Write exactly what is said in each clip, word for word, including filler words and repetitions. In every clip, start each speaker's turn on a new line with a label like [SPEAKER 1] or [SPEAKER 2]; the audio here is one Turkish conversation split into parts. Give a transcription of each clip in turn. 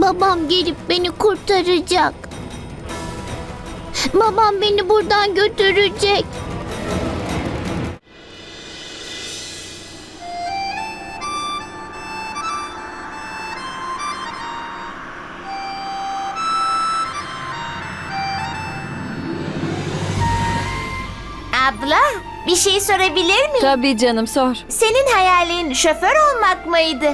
[SPEAKER 1] Babam gelip beni kurtaracak. Babam beni buradan götürecek.
[SPEAKER 2] Abla, bir şey sorabilir miyim?
[SPEAKER 3] Tabii canım, sor.
[SPEAKER 2] Senin hayalin şoför olmak mıydı?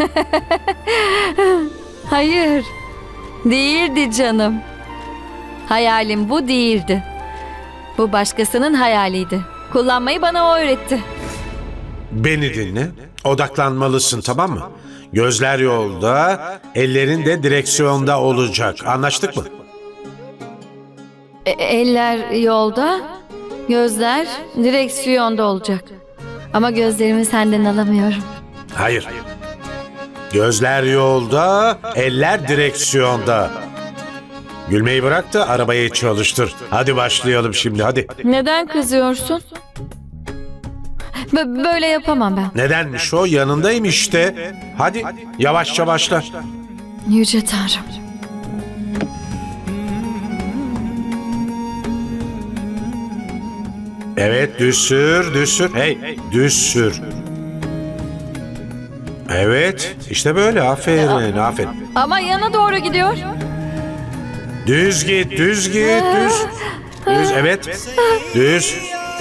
[SPEAKER 3] Hayır, değildi canım. Hayalim bu değildi. Bu başkasının hayaliydi. Kullanmayı bana o öğretti.
[SPEAKER 4] Beni dinle. Odaklanmalısın, tamam mı? Gözler yolda, ellerin de direksiyonda olacak. Anlaştık mı?
[SPEAKER 3] E- eller yolda, gözler direksiyonda olacak. Ama gözlerimi senden alamıyorum.
[SPEAKER 4] Hayır. Gözler yolda, eller direksiyonda. Gülmeyi bırak da arabayı çalıştır. Hadi başlayalım şimdi, hadi.
[SPEAKER 3] Neden kızıyorsun? Bö- böyle yapamam ben.
[SPEAKER 4] Nedenmiş o? Yanındayım işte. Hadi yavaşça başla.
[SPEAKER 3] Yüce Tanrım.
[SPEAKER 4] Evet, düz sür, düz sür. Hey, düz sür. Evet, işte böyle. Aferin, aferin.
[SPEAKER 3] Ama yana doğru gidiyor.
[SPEAKER 4] Düz git, düz git, düz. Düz, evet. Düz.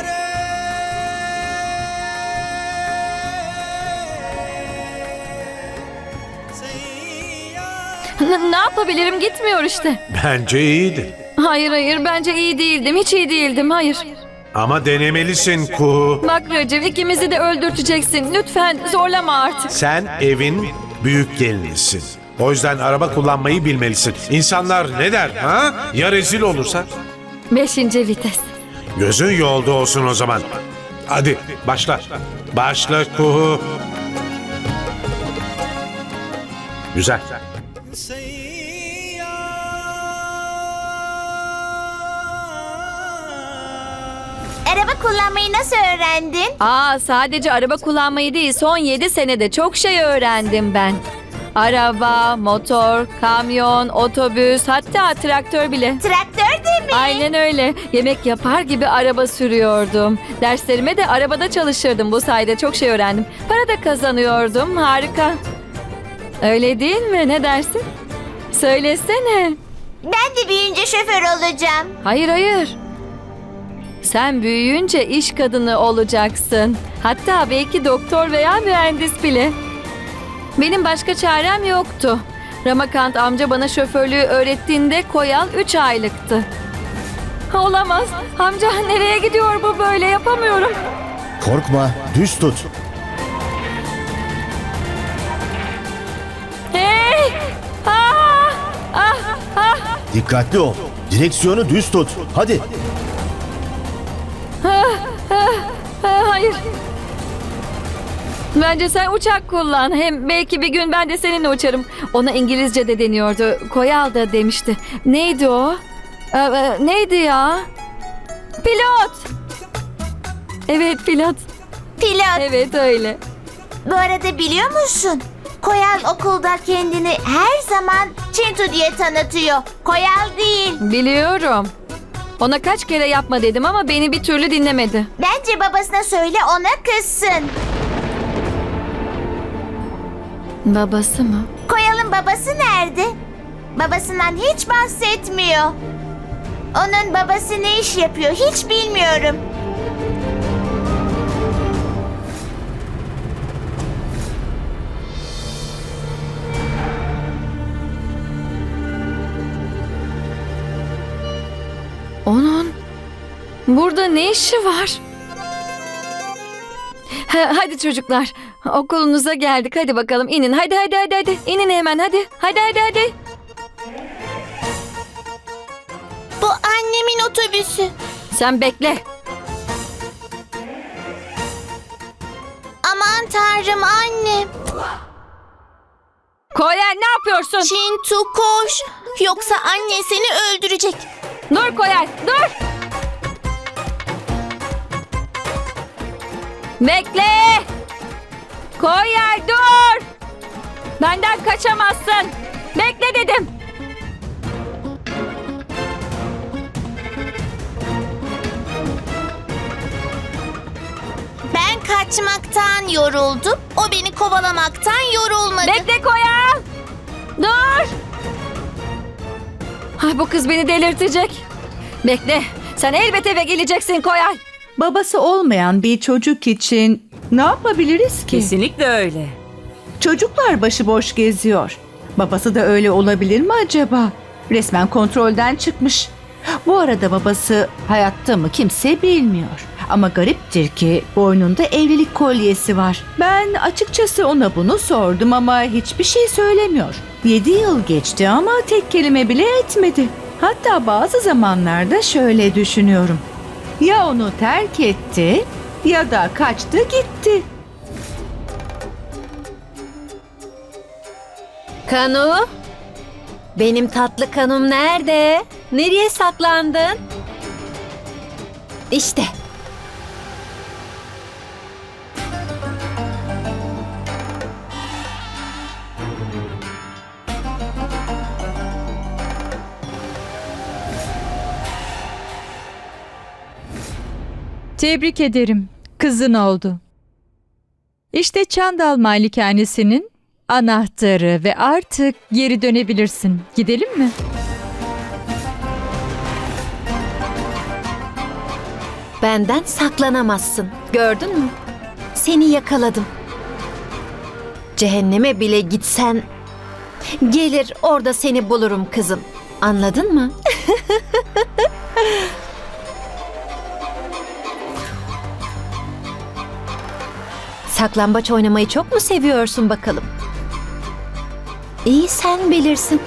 [SPEAKER 3] N- ne yapabilirim, gitmiyor işte.
[SPEAKER 4] Bence iyiydi.
[SPEAKER 3] Hayır hayır, bence iyi değildim, hiç iyi değildim, hayır.
[SPEAKER 4] Ama denemelisin Kuhu.
[SPEAKER 3] Bak Recep, ikimizi de öldürteceksin. Lütfen zorlama artık.
[SPEAKER 4] Sen evin büyük gelinisin. O yüzden araba kullanmayı bilmelisin. İnsanlar ne der, ha? Ya rezil olursa?
[SPEAKER 3] Beşinci vites.
[SPEAKER 4] Gözün yolda olsun o zaman. Hadi başla. Başla Kuhu. Güzel.
[SPEAKER 2] Araba kullanmayı nasıl öğrendin?
[SPEAKER 3] Aa, sadece araba kullanmayı değil, son yedi senede çok şey öğrendim ben. Araba, motor, kamyon, otobüs, hatta traktör bile.
[SPEAKER 2] Traktör de mi?
[SPEAKER 3] Aynen öyle. Yemek yapar gibi araba sürüyordum. Derslerime de arabada çalışırdım. Bu sayede çok şey öğrendim. Para da kazanıyordum. Harika. Öyle değil mi? Ne dersin? Söylesene.
[SPEAKER 2] Ben de büyüyünce şoför olacağım.
[SPEAKER 3] Hayır hayır. Sen büyüyünce iş kadını olacaksın. Hatta belki doktor veya mühendis bile. Benim başka çarem yoktu. Ramakant amca bana şoförlüğü öğrettiğinde Koyal üç aylıktı. Olamaz. Amca nereye gidiyor bu böyle? Yapamıyorum.
[SPEAKER 5] Korkma, düz tut.
[SPEAKER 3] Hey! Ah! Ah! Ah!
[SPEAKER 5] Dikkatli ol. Direksiyonu düz tut. Hadi.
[SPEAKER 3] Ah, hayır. Bence sen uçak kullan. Hem belki bir gün ben de seninle uçarım. Ona İngilizce de deniyordu. Koyal da demişti. Neydi o? Ee, e, neydi ya? Pilot. Evet, pilot.
[SPEAKER 2] Pilot.
[SPEAKER 3] Evet, öyle.
[SPEAKER 2] Bu arada biliyor musun? Koyal okulda kendini her zaman Çintu diye tanıtıyor. Koyal değil.
[SPEAKER 3] Biliyorum. Ona kaç kere yapma dedim ama beni bir türlü dinlemedi.
[SPEAKER 2] Bence babasına söyle, ona kızsın.
[SPEAKER 3] Babası mı?
[SPEAKER 2] Koyal'ın babası nerede? Babasından hiç bahsetmiyor. Onun babası ne iş yapıyor hiç bilmiyorum.
[SPEAKER 3] Onun burada ne işi var? Ha, hadi çocuklar, okulunuza geldik. Hadi bakalım, inin. Hadi hadi hadi hadi. İnin hemen, hadi. Hadi hadi hadi.
[SPEAKER 1] Bu annemin otobüsü.
[SPEAKER 3] Sen bekle.
[SPEAKER 1] Aman tanrım anne.
[SPEAKER 3] Koyal, ne yapıyorsun?
[SPEAKER 1] Çintu koş. Yoksa anne seni öldürecek.
[SPEAKER 3] Dur Koyal, dur. Bekle. Koyal, dur. Benden kaçamazsın. Bekle dedim.
[SPEAKER 1] Ben kaçmaktan yoruldum. O beni kovalamaktan yorulmadı.
[SPEAKER 3] Bekle Koyal. Dur. Ay, bu kız beni delirtecek. Bekle. Sen elbet eve geleceksin Koyal.
[SPEAKER 6] Babası olmayan bir çocuk için ne yapabiliriz ki?
[SPEAKER 7] Kesinlikle öyle.
[SPEAKER 6] Çocuklar başıboş geziyor. Babası da öyle olabilir mi acaba? Resmen kontrolden çıkmış. Bu arada babası hayatta mı kimse bilmiyor. Ama gariptir ki boynunda evlilik kolyesi var. Ben açıkçası ona bunu sordum ama hiçbir şey söylemiyor. Yedi yıl geçti ama tek kelime bile etmedi. Hatta bazı zamanlarda şöyle düşünüyorum. Ya onu terk etti ya da kaçtı gitti.
[SPEAKER 3] Kanu. Benim tatlı kanum nerede? Nereye saklandın? İşte.
[SPEAKER 8] Tebrik ederim. Kızın oldu. İşte Çandal Malikanesinin anahtarı ve artık geri dönebilirsin. Gidelim mi?
[SPEAKER 3] Benden saklanamazsın. Gördün mü? Seni yakaladım. Cehenneme bile gitsen gelir orada seni bulurum kızım. Anladın mı? Saklambaç oynamayı çok mu seviyorsun bakalım? İyi, sen bilirsin.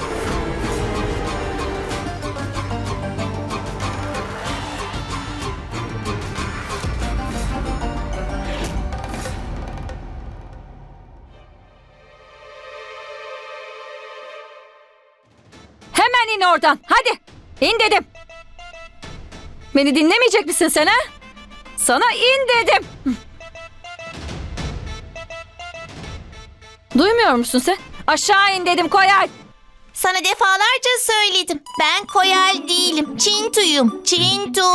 [SPEAKER 3] Hemen in oradan. Hadi. İn dedim. Beni dinlemeyecek misin sen ha? Sana in dedim. Duymuyor musun sen? Aşağı in dedim Koyal.
[SPEAKER 1] Sana defalarca söyledim. Ben Koyal değilim. Çintu'yum. Çintu.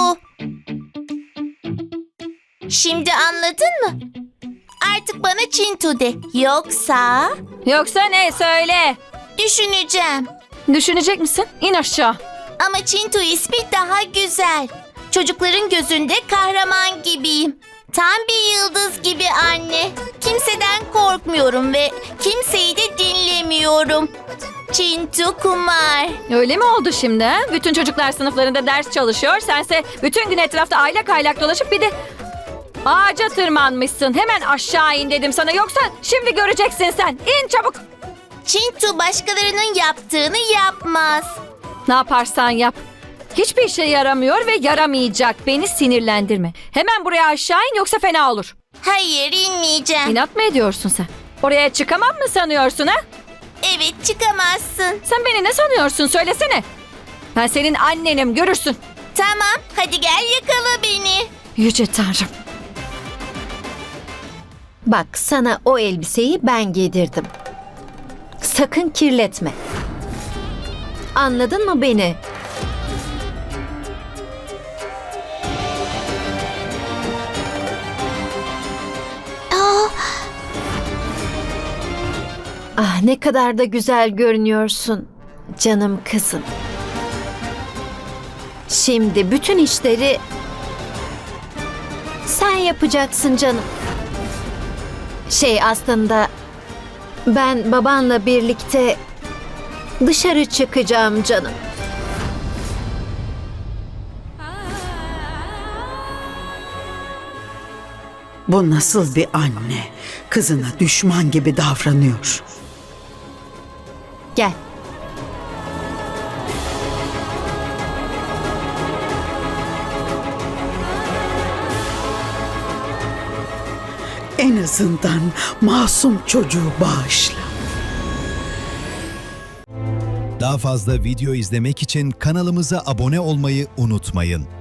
[SPEAKER 1] Şimdi anladın mı? Artık bana Çintu de. Yoksa
[SPEAKER 3] Yoksa ne, söyle.
[SPEAKER 1] düşüneceğim.
[SPEAKER 3] Düşünecek misin? İn aşağı.
[SPEAKER 1] Ama Çintu ismi daha güzel. Çocukların gözünde kahraman gibiyim. Tam bir yıldız gibi anne. Kimseden korkmuyorum ve kimseyi de dinlemiyorum. Çintu Kumar.
[SPEAKER 3] Öyle mi oldu şimdi ha? Bütün çocuklar sınıflarında ders çalışıyor. Sense bütün gün etrafta aylak aylak dolaşıp bir de ağaca tırmanmışsın. Hemen aşağı in dedim sana. Yoksa şimdi göreceksin sen. İn çabuk.
[SPEAKER 1] Çintu başkalarının yaptığını yapmaz.
[SPEAKER 3] Ne yaparsan yap. Hiçbir işe yaramıyor ve yaramayacak. Beni sinirlendirme. Hemen buraya aşağı in yoksa fena olur.
[SPEAKER 1] Hayır, inmeyeceğim.
[SPEAKER 3] İnat mı ediyorsun sen? Oraya çıkamam mı sanıyorsun ha?
[SPEAKER 1] Evet, çıkamazsın.
[SPEAKER 3] Sen beni ne sanıyorsun, söylesene. Ben senin annenim, görürsün.
[SPEAKER 1] Tamam, hadi gel yakala beni.
[SPEAKER 3] Yüce Tanrım. Bak, sana o elbiseyi ben giydirdim. Sakın kirletme. Anladın mı beni?
[SPEAKER 1] Aa,
[SPEAKER 3] Ah, ne kadar da güzel görünüyorsun canım kızım. Şimdi bütün işleri sen yapacaksın canım. Şey, aslında ben babanla birlikte dışarı çıkacağım canım.
[SPEAKER 9] Bu nasıl bir anne? Kızına düşman gibi davranıyor.
[SPEAKER 3] Gel.
[SPEAKER 9] En azından masum çocuğu bağışla.
[SPEAKER 10] Daha fazla video izlemek için kanalımıza abone olmayı unutmayın.